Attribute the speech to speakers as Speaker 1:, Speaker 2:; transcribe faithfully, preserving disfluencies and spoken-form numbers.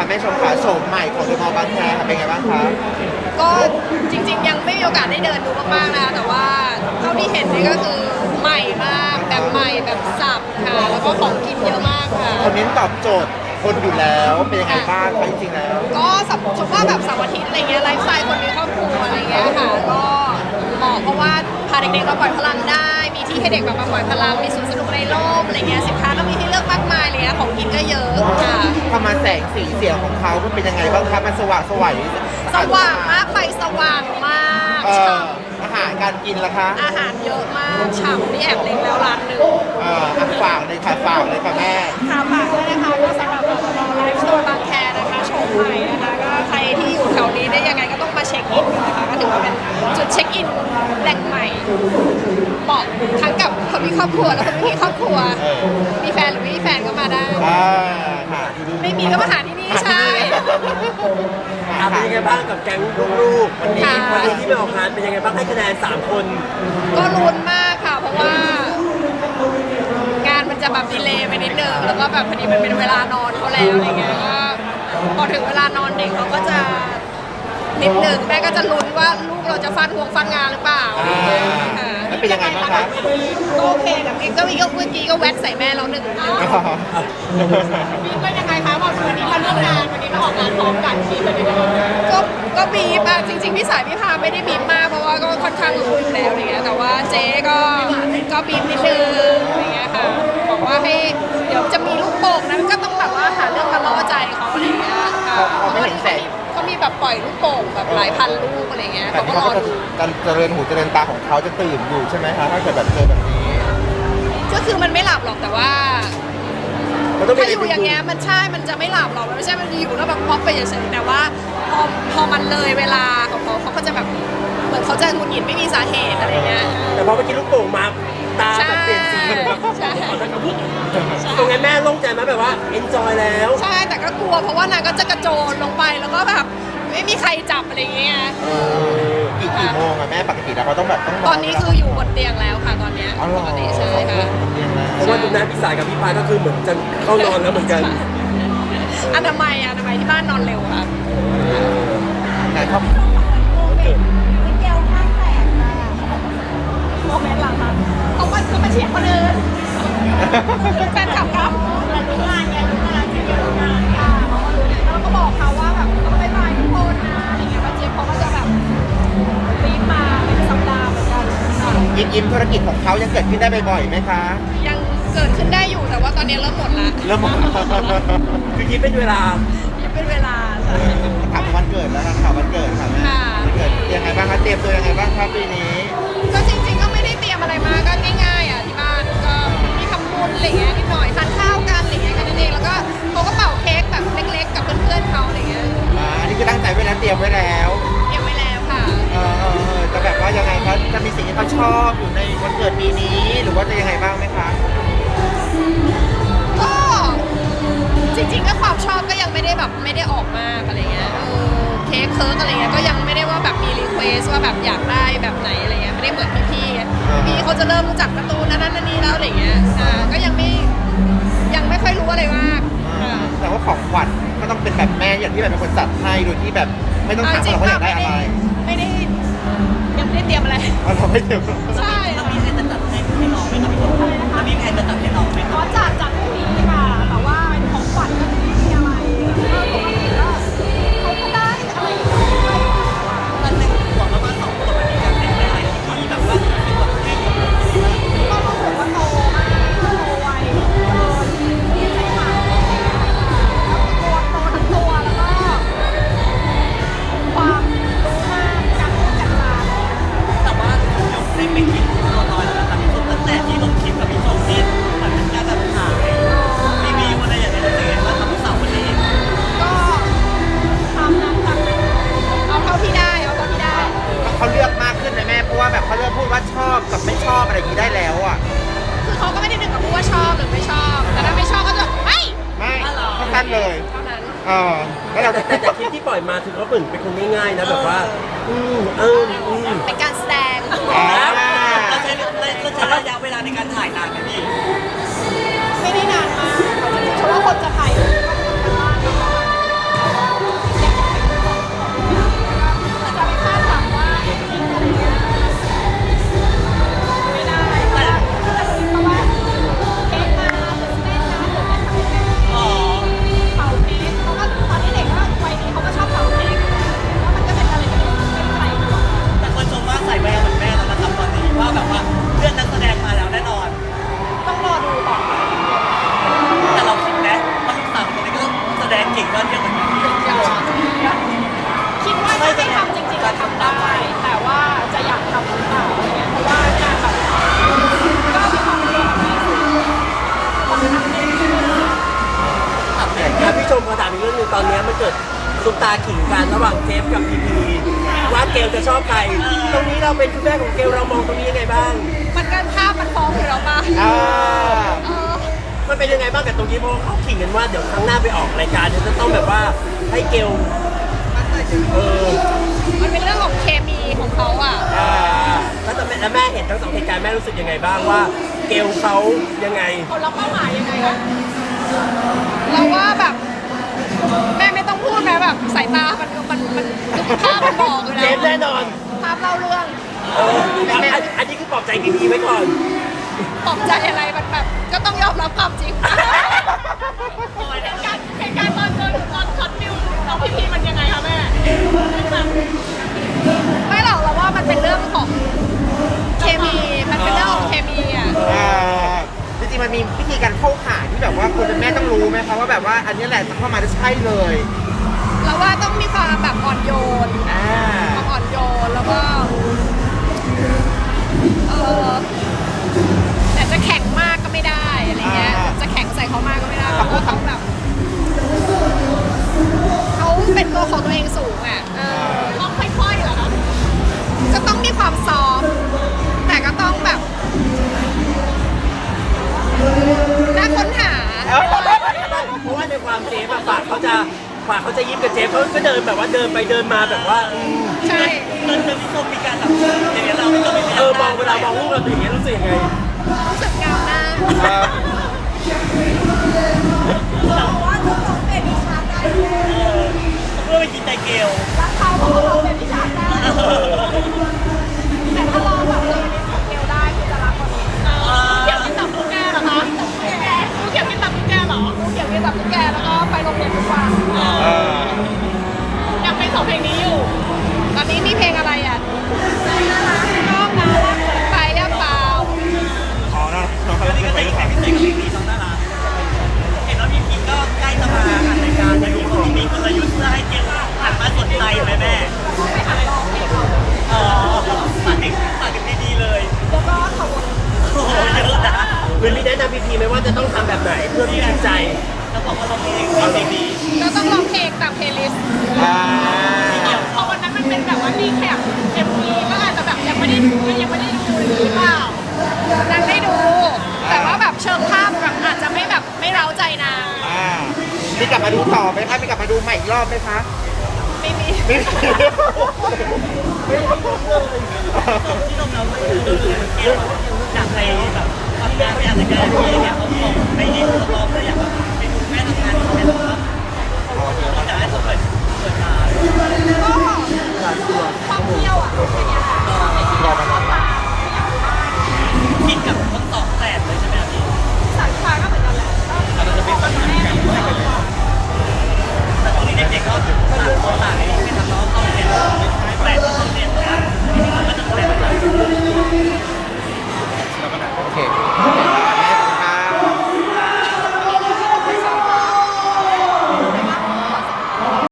Speaker 1: แม่ชมขาโฉมใหม่ของเดอะมอลล์บางแคค่ะเป็นไงบ้างคะ
Speaker 2: ก็จริงๆยังไม่มีโอกาสได้เดินดูมากๆนะคะแต่ว่าเท่าที่เห็นนี่ก็คือใหม่มากแบบใหม่แบบสับค่ะแล้วก็ของกินเยอะมากค่ะ
Speaker 1: คนนี้ตอบโจทย์คนอยู่แล้วเป็นยังไงบ้างคะจริงๆแล้ว
Speaker 2: ก็สับชมว่าแบบเสาร์อาทิตย์อะไรเงี้ยไลฟ์สไตล์คนมีครอบครัวอะไรเงี้ยค่ะก็เหมาะเพราะว่าพาเด็กๆมาปล่อยพลังได้ มีที่ให้เด็กแบบมาปล่อยพลังมีสวนสนุกในร่มอะไรเงี้ยสินค้าก็มีให้เลือกมากมายเลยนะของกินก็เยอะค่ะ
Speaker 1: ทำมาแสงสีเสียงของเขามันเป็นยังไงบ้างคะมันสว่างสวย
Speaker 2: สว่างมากไฟสว่างมาก
Speaker 1: เอ่
Speaker 2: ฉ่
Speaker 1: ออาหารการกินล่ะคะ
Speaker 2: ำอาหารเยอะมากฉ่ำนี่แอบเล็งแล้วร้านหนึ่ง
Speaker 1: เอ่ออ่ะฝากเลยค่ะฝากเลยค่ะแม่
Speaker 2: ค่ะฝากด้วยนะคะก็สำหรับไลฟ์สโตร์บางแคนะคะโฉมใหม่นะคะก็ใครที่อยู่แถวนี้ได้ยังไงก็ต้องมาเช็คอินนะคะก็ถือว่าเป็นจุดเช็คอินแหล่งใหม่เหมาะทั้งกับคนมีครอบครัวและคนไม่มีครอบครัว
Speaker 1: เออ
Speaker 2: มีแฟนหรือไม่มีแฟนก็มาได้
Speaker 1: อ่าค่ะ
Speaker 2: ไม่มีก็มาหาที่นี่ใช่
Speaker 3: อ่ะเป็นยังไงบ้างกับแก๊งลูกๆวันนี้
Speaker 2: ค่ะ
Speaker 3: วันนี้ที่ไปออกงานเป็นยังไงบ้างให้คะแนนสามคน
Speaker 2: ก็ลุ้นมากค่ะ เพราะว่า งานมันจะแบบดีเลย์ไปนิดนึงแล้วก็แบบพอดีมันเป็นเวลานอนเขาแล้วอะไรเงี้ยก็พอถึงเวลานอนเด็กเขาก็จะนิดนึงแม่ก็จะลุ้นว่าลูกเราจะฟันห่วงฟันงานหรือเปล่าอะไรเงี้ยค่ะ
Speaker 1: แล้วเป็นยังไงบ้างคะ
Speaker 2: ก็โอเคกับเองก็มีก็เมื่อกี้ก็แวะใส่แม่เราหนึ่งทีบีบก็ยังไงคะบอกวันนี้มาเรื่องงานวันนี้มาออกงานพร้อมกันบีบเป็นยังไงก็ก็บีบอะจริงๆพี่สายพี่พาไม่ได้บีบมากเพราะว่าก็ค่อนข้างรู้อยู่แล้วอะไรเงี้ยแต่ว่าเจ๊ก็ก็บีบนิดนึงอะไรเงี้ยค่ะบอกว่าให้เดี๋ยวจะมีลูกโป่งนั้นก็ต้องแบบว่าหาเรื่องมาล่อใจเขาอะไรเงี้ยค่ะ
Speaker 1: เขาไม่เห็นแสง
Speaker 2: เขามีแบบปล่อยลูกโป่งแบบหลายพันลูกอะไรเงี้ย
Speaker 1: แต่
Speaker 2: เขาก็
Speaker 1: ที่
Speaker 2: ร
Speaker 1: เขา
Speaker 2: อ
Speaker 1: ก็
Speaker 2: ดู
Speaker 1: จะเจริญหูเจริญตาของเขาจะตื่นอยู่ใช่ไหมคะถ้าเกิดแบบเจอแบบนี้
Speaker 2: ก็คือมันไม่หลับหรอกแต่ว่า
Speaker 3: มันต้องมี
Speaker 2: ถ้าอยู่อย่างเงี้ยมันใช่มันจะไม่หลับหรอกมันไม่ใช่มันอยู่แล้วแบบพอไปเฉยๆแต่ว่าพอพอมันเลยเวลาของเขาเขาก็จะแบบเหมือนเขาจะหงุดหงิดไม่มีสาเหตุอะไรเงี้ย
Speaker 3: แต่พอเมื่อกี้ลูกโป่งมาตา
Speaker 2: ใช่
Speaker 3: แบบเปลี่ยนสีแบบ
Speaker 2: ใช่
Speaker 3: ตรงนั้นแม่โล่งใจไหมแบบว่า enjoy แล้ว
Speaker 2: ใช่แต่ก็กลัวเพราะว่านางก็จะกระโจนลงไปแล้วก็แบบไม่มีใครจับอะไรเงี้ย
Speaker 1: เออกี่กี่โมงอะแม่ปกติแล้วเขาต้องแบบต้อง
Speaker 2: ตอนนี้คืออยู่บนเตียงแล้วค่ะตอนเนี้ย
Speaker 1: อ๋อเหร
Speaker 2: ป
Speaker 1: อก
Speaker 2: ติใช่ค่ะ
Speaker 1: เรียนแล้ว
Speaker 3: เพราะว่าตรงนั้นพี่สายกับพี่พายก็คือเหมือนจะเข้านอนแล้วเหมือนกัน
Speaker 2: อนามัยอนามัยที่บ้านนอนเร็วค่ะ
Speaker 1: ไหนครับ
Speaker 2: แก้วข้างแตกค่ะโมเมนต์หลังค่ะเขามาเขามาเชียร์คนอื่นแฟนคลับครับแต่รู้งานไงรู้งานจะเยอะงานค่ะเขาก็รู้เนี่ยแล้วเราก็บอกเขาว่าแบบต้องบายบายทุกคนนะอะไรเงี้ยป้าเจี๊ยบเขาก็จะแบบรีบมาเป็นสัปดาห์เหมือนกันค่ะ
Speaker 1: ยิ้มยิ้มธุรกิจของเขายังเกิดขึ้นได้บ่อยๆไหมคะ
Speaker 2: ยังเกิดขึ้นได้อยู่แต่ว่าตอนนี้เริ่มหมดละ
Speaker 1: เริ่ม
Speaker 3: คือคิดเป็นเวลา
Speaker 2: ยังเป็นเวลาใช่
Speaker 1: ถามวันเกิดแล้วค่ะข่าววันเกิดค่ะแม่
Speaker 2: ค่ะ
Speaker 1: วันเกิดยังไงบ้างคะเตรียมตัวยังไงบ้างครับปีนี้
Speaker 2: ก็จริงๆก็ไม่ได้เตรียมอะไรมาก็ง่ายๆอ่ะที่บ้านก็มีทำบุญอะไรเงี้ยนิดหน่อยทานข้าวกันอะไรเงี้ยแค่นั้นเองแล้วก็เขาก็เป่าเค้กแบบเล็กๆกับเพื่อนๆเขาอะไรเงี้ย
Speaker 1: อ่าอันนี้คือตั้งใจไว้แล้วเตรียมไว้แล้ว
Speaker 2: เตรียมไว้แล้วค่ะ
Speaker 1: เออเออเออจะแบบว่ายังไงคะจะมีสิ่งที่เขาชอบอยู่ในวันเกิดปีนี้ หรือว่าจะยังไงบ้างไหมคะ
Speaker 2: ก็จริงๆก็ความชอบก็ยังไม่ได้แบบไม่ได้ออกมากอะไรเงี้ยเออเค้กเคิร์กอะไรเงี้ยก็ยังไม่ได้ว่าแบบมีรีเควสว่าแบบอยากได้แบบไหนอะไรเงี้ยไม่ได้เหมือนพี่ๆไงพี่เขาจะเริ่มรู้จักการ์ตูนนั้นนั่นนี่แล้วอะไรเงี้ยอ่าก็ยังไม่ยังไม่ค่อยรู้อะไรมากค่ะ
Speaker 1: แต่ว่าของขวัญก็ต้องเป็นแบบแม่อย่างที่แบบเป็นคนจัดให้โดยที่แบบไม่ต้องถาม
Speaker 2: จริ
Speaker 1: เรา
Speaker 2: ง
Speaker 1: ว่า
Speaker 2: ๆ
Speaker 1: อยากได้อะไร
Speaker 2: ไม่ได้ยังไม่ได้เตรียมอะไร
Speaker 1: เอาเราไม่เตรียม
Speaker 2: ใช่
Speaker 4: แล้วมีใครจะจัดให้ให้น้องไหมครับพี่ชมแล้วมีใครจะจัดให้น้องไหมค
Speaker 2: ข
Speaker 4: รับ
Speaker 2: อจัดจัดพรุ่งนี้ค่ะแต่ว่าของขวัญก็ไม่มีอะไรเออปกติก็เขาก็ได้อะไรอย่างเงี้ย
Speaker 4: ตอนหนึ่งขวบประมาณสองขวบมันมีการแต่งอะไรที่แบบว่าเป็นแบบให้เด็ก
Speaker 2: ก็รู้สึกว่าโตมากโตไวเออดีใจมากแล้วตัวโตทั้งตัวแล้วก็ความรู้มากการพูดการจา
Speaker 4: แต่ว่าเดี๋ยวได้ไปกินตัวน้อยแล้วนะครับพี่ชมตั้งแต่ที่ลงคลิปกับพี่ชมที่เหมือนเป็นการแบบขายรีวิวอะไรอย่างเงี้ยรู้สึกยังไงบ้างครับพี่สาววันนี้
Speaker 2: ก็ทำนั้นทำเอาเท่าที่ได้เอาเท่าที่ได้
Speaker 1: เขาเลือกมากขึ้นนะแม่เพราะว่าแบบเขาเลือกพูดว่าชอบกับไม่ชอบอะไรอย่างนี้ได้แล้วอ่ะ
Speaker 2: คือเขาก็ไม่ได้ถึงกับพูดว่าชอบหรือไม่ชอบ แต่ถ้าไม่ชอบก็จะไม่
Speaker 1: ไม่เขาสั้นเลย
Speaker 2: เท่านั้น
Speaker 1: เออแล้วเรา
Speaker 3: แต่แต่แต่คลิปที่ปล่อยมาคือเขาเหมือนเป็นคนง่ายๆนะแบบว่า อืมเอออืม
Speaker 2: เป็นการแสดง
Speaker 1: อ่า
Speaker 4: เราใช้เราใช้ระยะเวลาในการถ่ายนานไหมพี่
Speaker 2: ไม่ได้นานมากเพราะว่าคนจะถ่ายรูปก็คนกันบ้าน
Speaker 3: ซุปตาขิงกันระหว่างเจฟกับพีพีว่าเกลจะชอบใครตรงนี้เราเป็นคุณแม่ของเกลเรามองตรงนี้ยังไงบ้าง
Speaker 2: มันกันภาพมันฟ้องอยู่แล้วป่ะ
Speaker 1: อ่า
Speaker 2: เออ
Speaker 3: มันเป็นยังไงบ้างกับตรงนี้เพราะว่าเขาขิงกันว่าเดี๋ยวครั้งหน้าไปออกรายการเนี่ยจะต้องแบบว่าให้เกลเออ
Speaker 2: มันเป็นเรื่องของเคมีของเขาอ่ะ
Speaker 3: อ่าแล้วแต่แม่แล้วแม่เห็นทั้งสองเหตุการณ์แม่รู้สึกยังไงบ้างว่าเกลเขายังไง
Speaker 2: เขาล็อกเป้าหมายยังไงอะเราว่าแบบแม่ไม่ต้องพูดนะแบบสายตา มันมันมันภาพมันบอกอยู่
Speaker 3: เจ
Speaker 2: แล้ว
Speaker 3: ฟแน่นอน
Speaker 2: ภาพเล่าเรื่อง
Speaker 3: เอออันอันอันนี้คือปลอบใจพีพีไว้ก่อน
Speaker 2: ปลอบใจอะไรมันแบบก็ต้องยอมรับความจริงโอ้ยเหตุการณ์เหตุการณ์ตอนเจอตอนช็อตฟิวน้องพี่พีมันยังไงคะแม่ไม่หรอกเราว่ามันเป็นเรื่องของเคมีมันเป็นเรื่องของเคมีอ่ะ
Speaker 1: อ่าจริงๆมันมีวิธีการเข้าหาที่แบบว่าคนเป็นแม่ต้องรู้ไหมคะว่าแบบว่าอันนี้แหละจะเข้ามาจะใช่เลย
Speaker 2: เราว่าต้องมีความแบบอ่อนโยน
Speaker 1: อ่า
Speaker 2: ความอ่อนโยนแล้วก็เออแต่จะแข็งมากก็ไม่ได้อะไรเงี้ยจะแข็งใส่เขามากก็ไม่ได้เพราะว่าเขาแบบเขาเป็นตัวของตัวเองสูงอ่ะเออต้องค่อยๆเหรอคะก็ต้องมีความซอฟต์แต่ก็ต้องแบบน่าค้นหา
Speaker 3: เพราะว่าในความเจฟอะฝากเขาจะฝากเขาจะยิ้มกับเจฟเขาก็เดินแบบว่าเดินไปเดินมาแบบว่าอืม
Speaker 2: ใช่
Speaker 4: เดินเดินพี่ส้มมีการแบบอย่างเงี้ยเราไม่จบไม่
Speaker 3: เออมองเวลามองลูกเราเป็นอย่างเงี้ยรู้สึกยังไง
Speaker 2: รู้สึกเงาหน้า
Speaker 1: อ่า
Speaker 2: ว่าทุกคนเป็นวิชาการ
Speaker 4: เพื่อไปกินใจเกล
Speaker 2: รักเขาเพราะว่าเขาเป็นวิชาการแต่ถ้าเราแบบเจอในสเกลได้คือจะรักคนนี้เกี่ยวกินตับตุ๊กแกเหรอคะแกเกี่ยวกินตับตุ๊กแกเหรอเกี่ยวกินตับตุ๊กแกแล้วก็ไปโรงเรียนทุกวัน
Speaker 1: อ่า
Speaker 2: ยังเป็นสองเพลงนี้อยู่ ตอนนี้มีเพลงอะไรอ่ะน้องน่ารักไปหรือเปล่า
Speaker 1: อ๋อเนาะน้องเขา
Speaker 4: อันนี้
Speaker 1: จะ
Speaker 4: ก็
Speaker 1: ไป
Speaker 4: เป็น
Speaker 1: หรือเป
Speaker 4: แข
Speaker 1: ล่าก
Speaker 4: พิเศษกับพี่พีน้องน่ารักเห็นว่าพี่พีก็ใกล้จะมาอัดรายการในรูปของมีกลยุทธ์เพื่อให้เกลหันมาสนใจไหมแม่
Speaker 2: ไปหาร้องเพลงเขา
Speaker 4: อ๋อฝากถึงฝากถึงดีๆเลย
Speaker 2: แล้วก็ขอบคุณ
Speaker 4: โอ้โหเยอะนะ
Speaker 3: หรือมีแนะนำพีพีไหมว่าจะต้องทำแบบไหนเพื่อที่จิตใจ
Speaker 4: แล้วบอกว่าเราเพลงเพลงดี
Speaker 2: เราต้องร้องเพลงตามเพลย์ลิสต์
Speaker 1: อ่า
Speaker 2: เพราะวันนั้นมันเป็นแบบว่ารีแคปเอ็มวีก็อาจจะแบบยังไม่ได้ดูยังไม่ได้ดูหรือเปล่านางได้ดู แต่ว่าแบบเชิงภาพแบบอาจจะไม่แบบไม่เร้าใจนาง
Speaker 1: อ่ามีกลับมาดูต่อไหมคะมีกลับมาดูใหม่อีกรอบไหมคะ
Speaker 2: ไม่มี
Speaker 1: ไม่มี
Speaker 4: ที่เราเราไม่รู้เลยเกลอยากไปแบบทำงานไปอ่านรายการอะไรอย่างเงี้ยเขาบอกไปเรียนเขาบอกเลยอยากแบบไปดูแม่ทำงานเขาแบบเขาอยากให้เขาเปิดเปิดตา
Speaker 2: ก็ความเที่ยวอ่ะอย่างเงี้ย
Speaker 1: รอมานานแล้ว
Speaker 4: คิดกับ